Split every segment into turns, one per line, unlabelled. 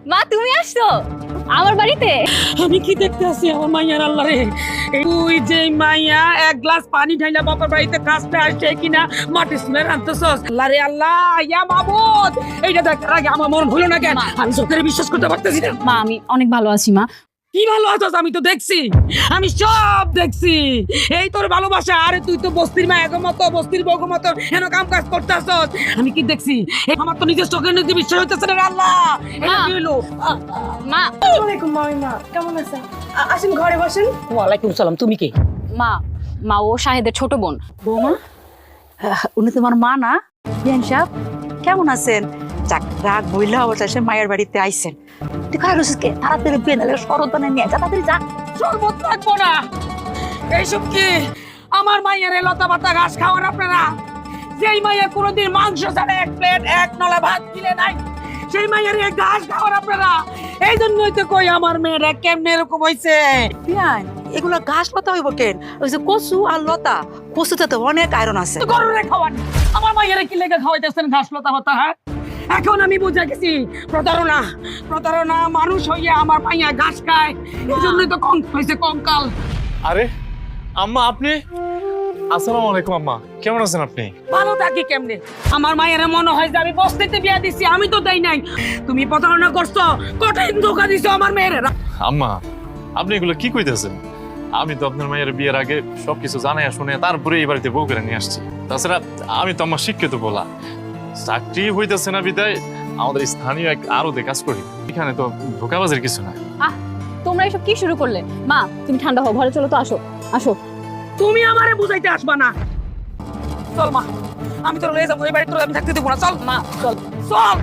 মা তুমি আসছো আমার বাড়িতে?
আমি কি দেখতে আছি আমার মাইয়ার আল্লাহ রে। তুই যে মাইয়া এক গ্লাস পানি ঢাইলা বাবার বাড়িতে কাজটা আসছে কিনা মাটি শুনে রাখতেছস। আল্লাহ রে আল্লাহ, ইয়া মাবুদ, এইটা দেখার আগে আমার মন হলো না কেন? আমি চোখের বিশ্বাস করতে পারতেছি না।
মা আমি অনেক ভালো আছি মা।
কি ভালো আছিস? আমি তো দেখছি, আমি সব দেখছি। এই তোর ভালোবাসা। আরে তুই তো বস্তির মায়ের মতো, বস্তির বউ মতো হেন কাম কাজ করতেছস। আমি কি দেখছি? আমার তো নিজের চোখের নিজে বিশ্বাস হইতেছে না রে আল্লাহ। এটা কি হলো?
মা
আসসালামাইকুম মামিমা, কেমন আছেন? আসেন ঘরে বসেন।
ওয়ালাইকুম সালাম। তুমি কে?
মা মা ও শাহেদের ছোট বোন।
বৌমা, উনি তোমার মা না? বিয়ান সাহেব কেমন আছেন? যাক, রাগ বইলা অবশেষে মায়ের বাড়িতে আইছেন। তুই কার রসিসকে তাড়াতাড়ি বিয়ে নালে সরদানে নিয়ে যা, তাড়াতাড়ি যা।
শরবত থাকবো না। এইসব কি? আমার মায়ের লতা পাতা ঘাস খাওয়ার আপনারা? যেই মায়ের কোনোদিন মাংস ছাড়া এক প্লেট এক নলা ভাত দিলে নাই, সেই মায়ের ঘাস খাওয়ার আপনারা? এই জন্যই তো কই আমার মেয়েরা কেমনে এরকম হয়েছে।
বিয়ান, এগুলো ঘাস পাতা হইব কেন? ওই যে কচু আর লতা, কচুতে তো অনেক আয়রন আছে।
গরুরে খাওয়ান, আমার মায়ের কি লেগে খাওয়াইতেছেন ঘাস লতা পাতা? হ্যাঁ, এখন আমি বুঝে গেছি প্রতারণা। প্রতারণা, মানুষ হইয়া আমার মাইয়া ঘাস খায়, এই জন্যই তো কঙ্কাল হয়েছে, কঙ্কাল।
আরে আম্মা, আপনি? আসসালামু আলাইকুম আম্মা, কেমন আছেন আপনি?
ভালো থাকি কেমনে? আমার মায়ের মনে হয় যে আমি বস্তিতে বিয়া দিছি, আমি তো দেই নাই। তুমি প্রতারণা করছো, কঠিন ধোকা দিছো আমার মেয়ের।
আম্মা, আপনি এগুলো কি কইতেছেন? আমি তো আপনার মায়ের বিয়ের আগে সবকিছু জানাইয়া শুনে তারপরে এই বাড়িতে বউ করে নিয়ে আসছি। তাছাড়া আমি তো আমার শিক্ষিত বলা, চাকরি হইতেছে না বিদায় আমাদের স্থানীয় এক আড়তে কাজ করি। এখানে তো ধোকাবাজের কিছু না।
তোমরা এসব কি শুরু করলে? মা তুমি ঠান্ডা হও, ঘরে চলো তো, আসো আসো।
তুমি আমারে বুঝাইতে আসবা না। চল মা, আমি তোর লয়ে যাবো, এই বাড়িতে তোর আমি থাকতে দেবো না। চল
মা চল।
চল।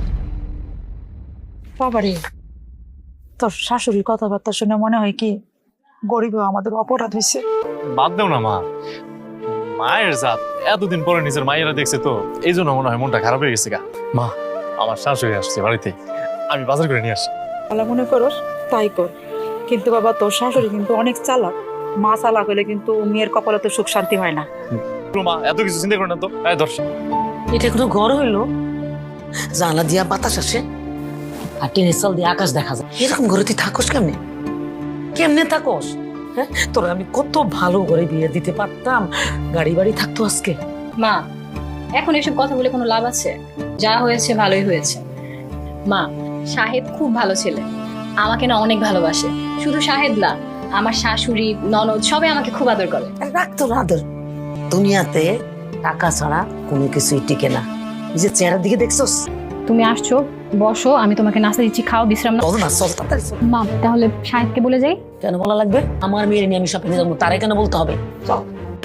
বাবারে, তোর শাশুড়ির কথাবার্তা শুনে মনে হয় কি গরিব আমাদের অপরাধ হয়েছে।
বাদ দেও না মা, মায়ের জাত এতদিন পরে নিজের মায়েরা দেখছে তো এই জন্য মনে হয় মনটা খারাপ হয়ে গেছে গা। মা, আমার শাশুড়ি আসছে বাড়িতে, আমি বাজার করে নিয়ে আসি।
তাহলে মনে করস তাই কর, কিন্তু বাবা তোর শাশুড়ি কিন্তু অনেক চালাক। মা চালাক হলে কিন্তু মেয়ের কপালে তো সুখ শান্তি হয় না।
মা এত কিছু চিন্তা করে না তো। দর্শক,
এটা কোনো ঘর হইলো? জানলা দিয়া বাতাস আসে আর টিনের চাল দিয়ে আকাশ দেখা যায়। এরকম ঘরে তুই থাকস কেমনে? কেমনে থাকস? হ্যাঁ, তোরা আমি কত ভালো করে বিয়ে দিতে পারতাম, গাড়ি বাড়ি থাকতো আজকে।
মা এখন এসব কথা বলে কোনো লাভ আছে? যা হয়েছে ভালোই হয়েছে। মা শাহেদ খুব ভালো ছেলে, আমাকে না অনেক ভালোবাসে। শুধু শাহেদ না, আমার শাশুড়ি ননদ সবাই আমাকে খুব আদর করে।
রাখতো আদর। দুনিয়াতে টাকা ছাড়া কোনো কিছুই টিকে না। নিজের চেহারার দিকে দেখছস?
তুমি আসছো, বসো, আমি তোমাকে নাস্তা দিচ্ছি, খাও, বিশ্রাম নাও।
চল না, চল তাড়াতাড়ি চল।
মা তাহলে শাহেদকে বলে যাই।
কেন বলা লাগবে? আমার মেয়ের নিয়ে আমি শপিংয়ে যাবো, তারাই কেন বলতে হবে? চল।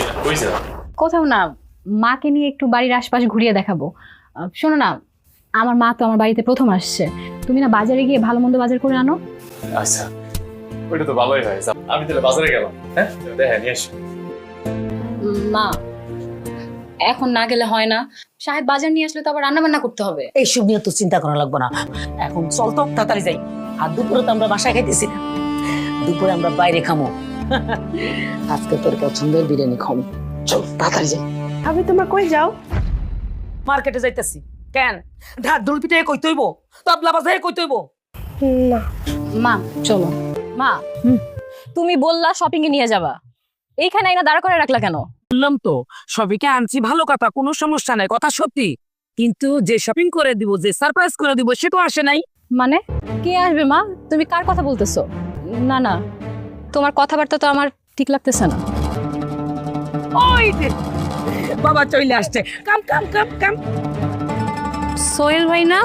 কোথাও না, মাকে নিয়ে একটু বাড়ির আশপাশ ঘুরিয়ে দেখাবো। শোনো না, আমার মা তো আমার বাড়িতে প্রথম আসছে, তুমি না বাজারে গিয়ে ভালো মন্দ বাজার করে আনো।
আচ্ছা, ওইটা তো ভালোই হয়। আমি তাহলে বাজারে গেলাম। হ্যাঁ, দেখে নিয়ে আসি।
মা এখন না গেলে হয় না, শাহেদ বাজার নিয়ে আসলে তো আবার রান্না বান্না করতে হবে।
এইসব নিয়ে তো চিন্তা করা লাগবে না, এখন চল তো তাড়াতাড়ি যাই। আর দুপুরে তো আমরা বাসায় খাইতেছি না, দুপুরে আমরা বাইরে খামো। আজকে তোর পছন্দের বিরিয়ানি খাবো। চল তাড়াতাড়ি যাই।
আমি তোমার কই যাও?
মার্কেটে যাইতেছি। কেন? ঢাক ঢোল পিঠে কই তৈব, তবলা বাজারে কই তৈব।
না,
মা চলো। মা তুমি বললা শপিং এ নিয়ে যাবা, এইখানে আইনা দাঁড় করে রাখলা কেন?
বললাম তো সবিকে আনছি, ভালো কথা, কোনো সমস্যা নাই, কথা সত্যি। কিন্তু যে শপিং করে দিব, যে সারপ্রাইজ করে দিব, সে তো আসে নাই।
মানে কে আসবে মা? তুমি কার কথা বলতেছো? না না, তোমার কথাবার্তা তো আমার ঠিক লাগতেছে না।
ওই যে বাবা চলে আসছে। কাম কাম কাম কাম।
সোহেল ভাই না?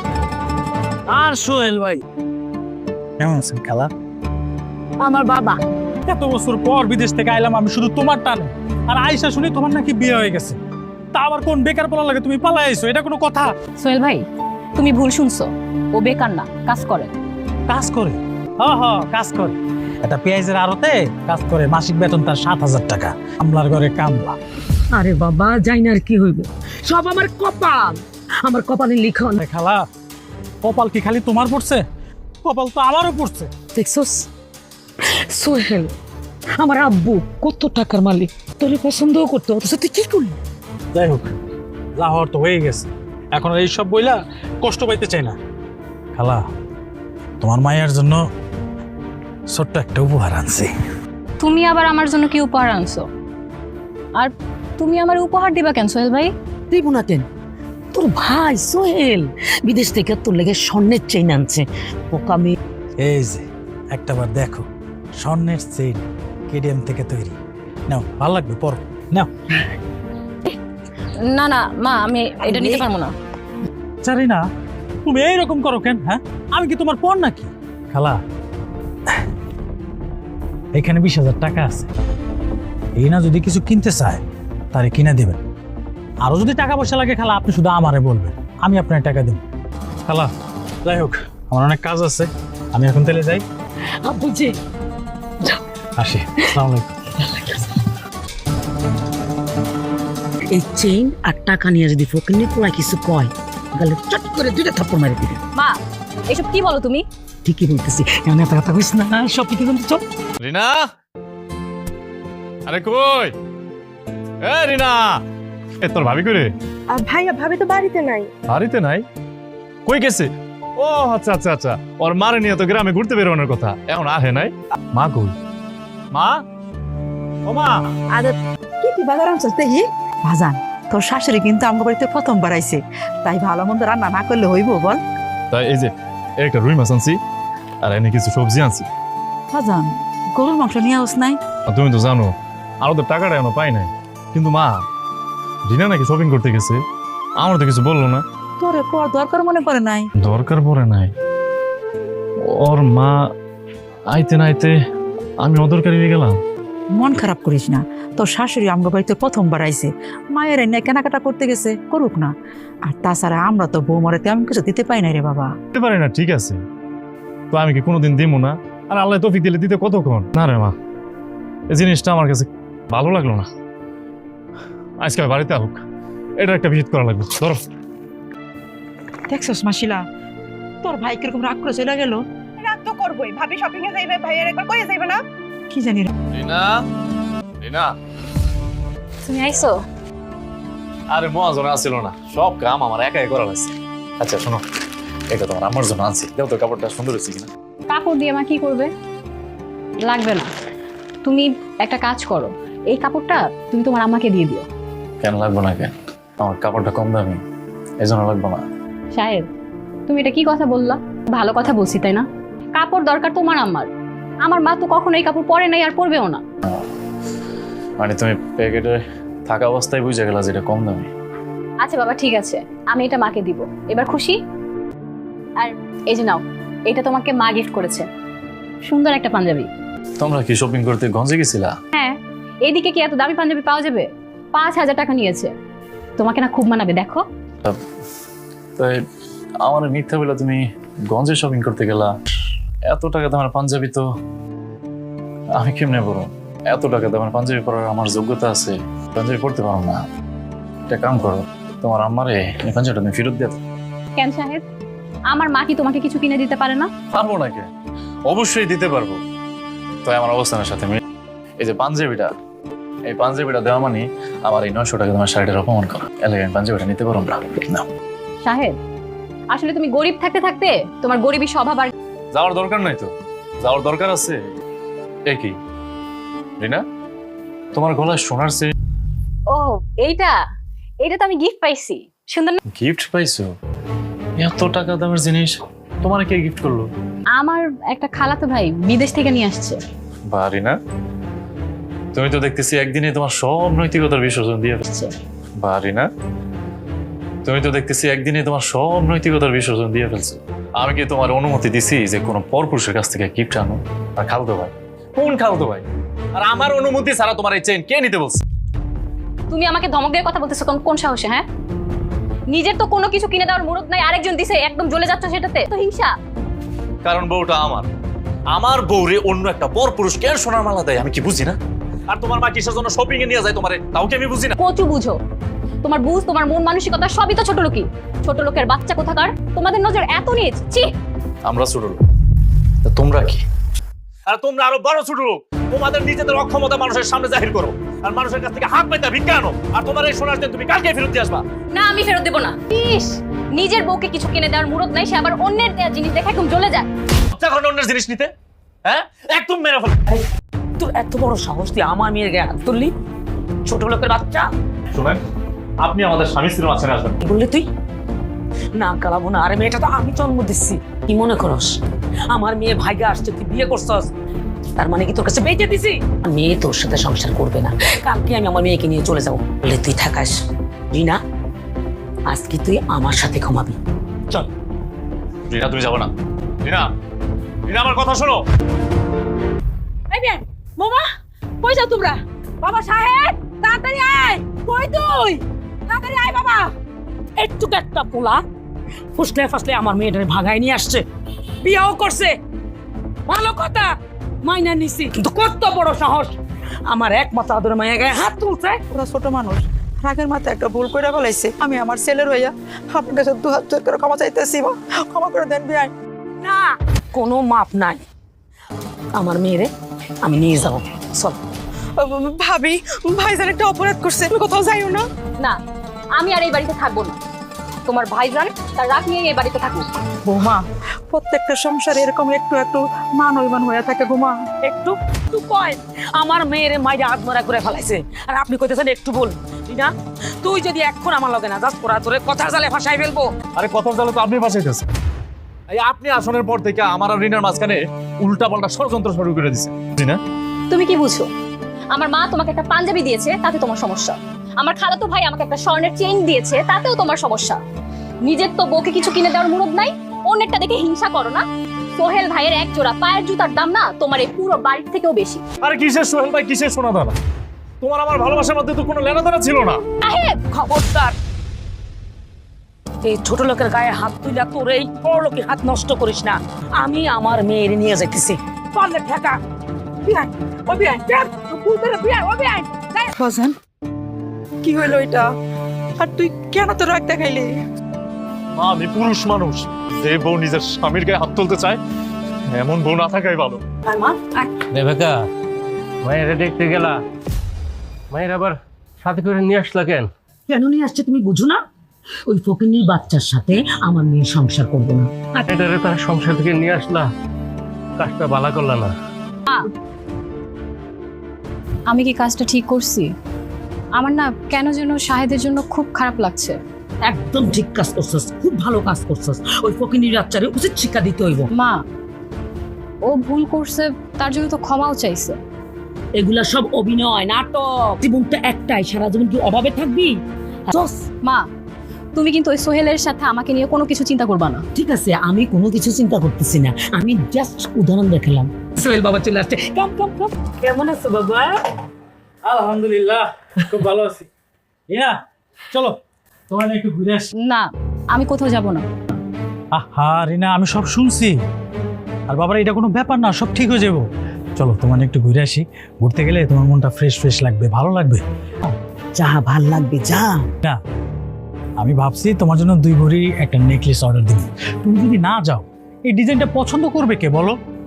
আর সোহেল ভাই
কেমন আছেন খালা?
আমার বাবা।
এত বছর পর বিদেশ থেকে আইলাম আমি শুধু তোমার টানে, আর আয়সা শুনি তোমার নাকি বিয়ে হয়ে গেছে। তা আবার কোন বেকার পোলা লাগে তুমি পালাই আইছো, এটা কোনো কথা?
সোহেল ভাই তুমি ভুল শুনছো, ও বেকার না, কাজ করে।
কাজ করে? কাজ করে। একটা পেঁয়াজের আড়তে কাজ করে, মাসিক বেতন তার 7,000 টাকা। আমলার ঘরে কামলা।
আরে বাবা, যাই না আর কি হইব, সব আমার কপাল, আমার কপালে লিখন।
খালা, কপাল কি খালি তোমার পড়ছে? কপাল তো আমারও পড়ছে।
দেখছস সোহেল, আমার আব্বু কত টাকার মালিক, তোরে পছন্দও করতো, অথচ তুই কি করলি?
যাই হোক, যা হওয়ার তো হয়ে গেছে, এখন আর এইসব বইলা কষ্ট পাইতে চাই না। খালা, তোমার মায়ের জন্য ছোট্ট একটা উপহার আনছি।
তুমি আবার আমার জন্য কি উপহার আনছো? আর তুমি আমার উপহার দিবা কেন সোহেল ভাই?
দিব না কেন? তোর ভাই সোহেল বিদেশ থেকে তোর লেগে স্বর্ণের চেইন আনছে। পোকা মেয়ে
এই যে একটাবার দেখো, স্বর্ণের চেইন, কেডিএম থেকে তৈরি। নাও, ভালো লাগবে, পর নাও।
না না মা, আমি এটা নিতে পারবো না।
জানি না তুমি এইরকম করো কেন? হ্যাঁ, আমি কি তোমার পর নাকি? খালা, এখানে 20,000 টাকা আছে, এই না যদি কিছু কিনতে চায় তারে কিনে দিবেন। আরো যদি টাকা পয়সা লাগে খালা, আপনি শুধু আমারে বলবেন, আমি আপনার টাকা দেব। খালা, যাই হোক, আমার অনেক কাজ আছে, আমি এখন তাহলে যাই।
আব্বুজি
আসি, আসসালামু আলাইকুম।
এই চেইন আর টাকা নিয়ে যদি ফকিন্নি পোলা কিছু কয়, তাহলে চট করে 2টা থাপ্পড় মেরে দিবে।
মা, এসব কি বলো তুমি?
ঠিকই বলতেছি, এমন এত কথা কইস না, সব কিছু কিন্তু চল।
রিনা, আরে কই? এ রিনা, এ তোর ভাবি করে?
ভাইয়া ভাবি তো বাড়িতে নাই।
বাড়িতে নাই? কই গেছে? ও আচ্ছা আচ্ছা আচ্ছা, ওর মারে নিয়ে তো গ্রামে ঘুরতে বেরোনোর কথা, এখন আহে নাই। মা কই? মা, ও মা।
কি কি বাজার আনছস দেখি?
ভাজান, তোর শাশুড়ি কিন্তু আমার বাড়িতে প্রথমবার আইছে, তাই ভালো মন্দ রান্না না করলে হইব বল?
তাই এই যে একটা রুই মাছ আনছি, আর এনে কিছু সবজি আনছি।
ভাজান, গরুর মাংস নিয়ে আস নাই?
আর তুমি তো জানো আরো তো টাকাটা এখনো পাই নাই। কিন্তু মা, রিনা নাকি শপিং করতে গেছে, আমার তো কিছু বললো না।
তোরে কর দরকার মনে করে নাই?
দরকার পড়ে নাই। ওর মা আইতে না আইতে আমি অদরকারি হয়ে গেলাম।
মন খারাপ করিস না, তোর শাশুড়ি আমার বাড়িতে প্রথমবার আইছে, মায়ের এনে কেনাকাটা করতে গেছে, করুক না। আর তাছাড়া আমরা তো বৌমারে তেমন কিছু দিতে পাই নাই রে বাবা।
দিতে পারি না, ঠিক আছে, তো আমি কি কোনোদিন দিব না? আর আল্লাহ তৌফিক দিলে দিতে কতক্ষণ? না রে মা, এই জিনিসটা আমার কাছে ভালো লাগলো না। আজকে বাড়িতে হোক, এটা একটা ভিজিট করা লাগবে। ধরো।
দেখছস মাসিলা, তোর ভাই কিরকম রাগ করে চলে গেল।
রাত তো করবই, ভাবি শপিং এ যাইবে, ভাইয়ার একবার কইয়া যাইবে না?
কি জানি রে।
রিনা, রিনা।
তুমি আইছো?
আরে মহাজন আসছিল না, সব কাম আমার একাই করা লাগছে। আচ্ছা শোনো, এটা তোমার আমার জন্য আনছি, দেখো তো কাপড়টা সুন্দর হয়েছে কিনা।
কাপড় দিয়ে মা কি করবে? লাগবে না, তুমি একটা কাজ করো, এই কাপড়টা তুমি তোমার আম্মাকে দিয়ে দিও।
কেন লাগবে না? কেন? আমার কাপড়টা কম দামি, এই জন্য লাগবে না।
সাহেব, তুমি এটা কি কথা বললা? ভালো কথা বলছি তাই না? কাপড় দরকার তোমার আম্মার, আমার মা তো কখনো এই কাপড় পরে নাই আর পরবেও না।
মানে তুমি প্যাকেটে থাকা অবস্থায় বুঝে গেলা যেটা কম দামি।
আচ্ছা বাবা, ঠিক আছে, আমি এটা মাকে দিব। এবার খুশি? আর এই যে নাও, এটা তোমাকে মা গিফট করেছে, সুন্দর একটা পাঞ্জাবি।
তোমরা কি শপিং করতে গঞ্জে গেছিলা?
হ্যাঁ, এইদিকে কি এত দামি পাঞ্জাবি পাওয়া যাবে? 5,000 টাকা নিয়েছে, তোমাকে না খুব মানাবে, দেখো।
তাই আমার মিথ্যা বলে তুমি গঞ্জে শপিং করতে গেলা? এত টাকা দামের পাঞ্জাবি তো আমি কেমনে পরো? এত টাকা দামের পাঞ্জাবি পরার আমার যোগ্যতা আছে? পাঞ্জাবি পরতে পারো না? একটা কাম করো, তোমার আম্মারে এই পাঞ্জাবিটা তুমি ফেরত দিয়ে দাও।
কেন সাহেব, আমার মা কি তোমাকে কিছু কিনে দিতে পারে না?
পারবো নাকি? অবশ্যই দিতে পারবো। তাই আমার অবস্থানের সাথে এই যে পাঞ্জাবিটা, এই পাঞ্জাবিটা দেওয়া মানে আমার এই 900 টাকা তোমার শাড়িটার অপমান করা। এলাকায় আমি পাঞ্জাবিটা নিতে পারবো না।
সাহেব, আসলে তুমি গরিব থাকতে থাকতে তোমার গরিবী স্বভাব আর
যাওয়ার দরকার নাই তো, যাওয়ার দরকার আছে। একই রিনা, তোমার গলায় সোনার চেইন।
ও এইটা, এটা তো আমি গিফট পাইছি, সুন্দর না?
গিফট পাইছো? এত টাকা দামের জিনিস তোমার কে গিফট করলো?
আমার একটা খালাতো ভাই বিদেশ থেকে নিয়ে আসছে।
বা রিনা, তুমি তো দেখতেছি একদিনে তোমার সব নৈতিকতার বিসর্জন দিয়ে ফেলছো। বা রিনা, তুমি তো দেখতেছি একদিনে তোমার সব নৈতিকতার বিসর্জন দিয়ে ফেলছো। আমি কি তোমার অনুমতি দিছি যে কোনো পরপুরুষের কাছ থেকে গিফট আনো? আর খালতো ভাই, কোন খালতো ভাই? আর আমার অনুমতি ছাড়া তোমার এই চেইন কে নিতে বলছে?
তুমি আমাকে ধমক দিয়ে কথা বলতেছো কোন সাহসে? হ্যাঁ, নিজের তো কোনো কিছু কিনে দেওয়ার মুরত নাই, আরেকজন দিছে একদম জ্বলে যাচ্ছে সেটাতে তো হিংসা।
কারণ বউটা আমার বউরে অন্য একটা পরপুরুষ কেন সোনার মালা দেয় আমি কি বুঝি না? আর তোমার মা কিসের জন্য শপিং এ নিয়ে যায় তোমারে, তাও কি আমি বুঝি না?
কচু বুঝো, তোমার বুঝ, তোমার মন মানসিকতা সবই তো ছোট লোকই। ছোট লোকের বাচ্চা কোথাকার, তোমাদের নজর এত নিচ। ছি,
আমরা ছোট লোক, তোমরা কি? আর তোমরা আরো বড় ছোট লোক। তোমাদের নিজেদের অক্ষমতা মানুষের সামনে জাহির করো, আর মানুষের কাছ থেকে হাত পাইতে ভিক্ষা আনো। আর তোমার এই সোনার চেইন তুমি কালকে ফেরত দিয়ে আসবা।
না আমি ফেরত দেব না। ইস, নিজের বউকে কিছু কিনে দেওয়ার মুরত নাই, সে আবার অন্যের দেওয়া জিনিস দেখে একদম জ্বলে যায়।
যখন অন্যের জিনিস নিতে, হ্যাঁ একদম মেরে ফেল।
তোর এত বড় সাহস তুই আমার মেয়ের গায়ে হাত তুললি? ছোট লোকের বাচ্চা।
শোনেন, আপনি আমাদের স্বামী স্ত্রীর মাঝখানে আসবেন।
কি বললি তুই? না কালাবো না, আরে মেয়েটা তো আমি জন্ম দিচ্ছি। কি মনে করস আমার মেয়ে ভাইগা আসছে, তুই বিয়ে করছস, তার মানে কি তোর কাছে বেঁচে দিছি? মেয়ে তোর সাথে সংসার করবে না, কালকে আমি আমার মেয়েকে নিয়ে চলে যাবো। বলে তুই থাকাস রিনা, আজকে তুই আমার সাথে ঘুমাবি। চল।
রিনা তুমি যাবো না। রিনা, রিনা আমার কথা শোনো।
এই মেয়ে মামা কই যাও তোমরা? বাবা সাহেব তাড়াতাড়ি আয়। কই তুই? তাড়াতাড়ি আয় বাবা। একটু একটা পোলা ফুসলে ফাসলে আমার মেয়েটারে ভাগায় নিয়ে আসছে, বিয়েও করছে, ভালো কথা, মাইনা নিছি, কিন্তু কত বড় সাহস আমার একমাত্র আদরের মায়ের গায়ে হাত তুলছে।
ওরা ছোট মানুষ, রাগের মাথায় একটা ভুল করে ফেলাইছে। আমি আমার ছেলের হইয়া আপনার কাছে 2 হাত জোর করে ক্ষমা চাইতেছি, মা ক্ষমা করে দেন বিয়াই।
না
কোনো মাপ নাই, আমার মেয়েরে আমি নিয়ে যাবো। চল।
ভাবি ভাইজান একটা অপরাধ করছে, তুমি কোথাও যাইও না।
না, আমি আর এই বাড়িতে থাকবো না। তোমার ভাইজান তার রাগ নিয়ে এই বাড়িতে থাকুক।
বৌমা, প্রত্যেকটা সংসারে এরকম একটু একটু মান অভিমান হয়ে থাকে গো মা।
একটু একটু কয় আমার মেয়েরে মাইরে আত্মরা করে ফেলাইছে, আর আপনি কইতেছেন একটু বল না? তুই যদি এখন আমার লগে না যাস, তোরা তোরে কথার জালে ফাঁসাই ফেলবো।
আরে কথার জালে তো আপনি ফাঁসাইতেছেন। এই আপনি আসনের পর থেকে আমার আর রিনার মাঝখানে উল্টা পাল্টা ষড়যন্ত্র শুরু করে দিছে। রিনা,
তুমি কি বুঝছো? আমার মা তোমাকে একটা পাঞ্জাবি দিয়েছে, তাতে তোমার সমস্যা। আমার খালাতো ভাই আমাকে একটা স্বর্ণের চেইন দিয়েছে, তাতেও তোমার সমস্যা। নিজের তো বউকে কিছু কিনে দেওয়ার মুরত নাই, অন্যেরটা দেখে হিংসা করো না। সোহেল ভাইয়ের এক জোড়া পায়ের জুতার দাম না তোমার এই পুরো বাড়ির থেকেও বেশি।
আরে কিসের সোহেল ভাই, কিসের সোনা দানা? তোমার আমার ভালোবাসার মধ্যে তো কোনো লেনাদেনা ছিল না।
সাহেব,
খবরদার এই ছোট লোকের গায়ে হাত তুইলা তোর এই বড় লোকের হাত নষ্ট করিস না। আমি আমার মেয়ের নিয়ে যাইতেছি, পারলে ঠেকা।
বিয়াই ও বিয়াই দেখ ভুল করে বিয়াই ও বিয়াই।
বাজান, কি হইলো এটা? আর তুই কেন তো রাগ দেখাইলি?
মা, আমি পুরুষ মানুষ, যে বউ নিজের স্বামীর গায়ে হাত তুলতে চায় এমন বউ না থাকাই ভালো।
রেবেকা, মায়েরা দেখতে গেলা, মায়ের আবার সাথে করে নিয়ে আসলা কেন?
কেন নিয়ে আসছে তুমি বুঝো না? ওই ফকিনীর বাচ্চার সাথে আমার মেয়ে সংসার করবো না।
এটারে তার সংসার থেকে নিয়ে আসলা, কাজটা বালা করলা না।
আমি কি কাজটা ঠিক করছি? আমার না কেন যেন শাহেদের জন্য খুব খারাপ লাগছে।
একদম ঠিক কাজ করছস, খুব ভালো কাজ করছস। ওই ফকিনীর বাচ্চারে উচিত শিক্ষা দিতে হইব।
মা, ও ভুল করছে, তার জন্য তো ক্ষমাও চাইছে।
এগুলা সব অভিনয়, নাটক। জীবনটা একটাই, সারা জীবন কি অভাবে থাকবি?
মা, তুমি কিন্তু ওই সোহেলের সাথে আমাকে নিয়ে কোনো কিছু চিন্তা করবা না।
ঠিক আছে, আমি কোনো কিছু চিন্তা করতেছি না, আমি জাস্ট উদাহরণ দেখালাম। সোহেল বাবা চলে আসছে। কাম কাম কাম। কেমন আছো বাবা?
আলহামদুলিল্লাহ, খুব ভালো আছি। রিনা, চলো তোমার একটু ঘুরে আসি।
না, আমি কোথাও যাব না।
আহা রিনা, আমি সব শুনছি। আর বাবার এটা কোনো ব্যাপার না, সব ঠিক হয়ে যাবো। চলো তোমার একটু ঘুরে আসি। ঘুরতে গেলে তোমার মনটা ফ্রেশ ফ্রেশ লাগবে, ভালো লাগবে।
যা ভাল লাগবে, যা।
না, আমি ভাবছি তোমার জন্য 2 ভরি একটা নেকলেস অর্ডার দিব। তুমি যদি না যাও, এই ডিজাইনটা পছন্দ করবে কে বলো?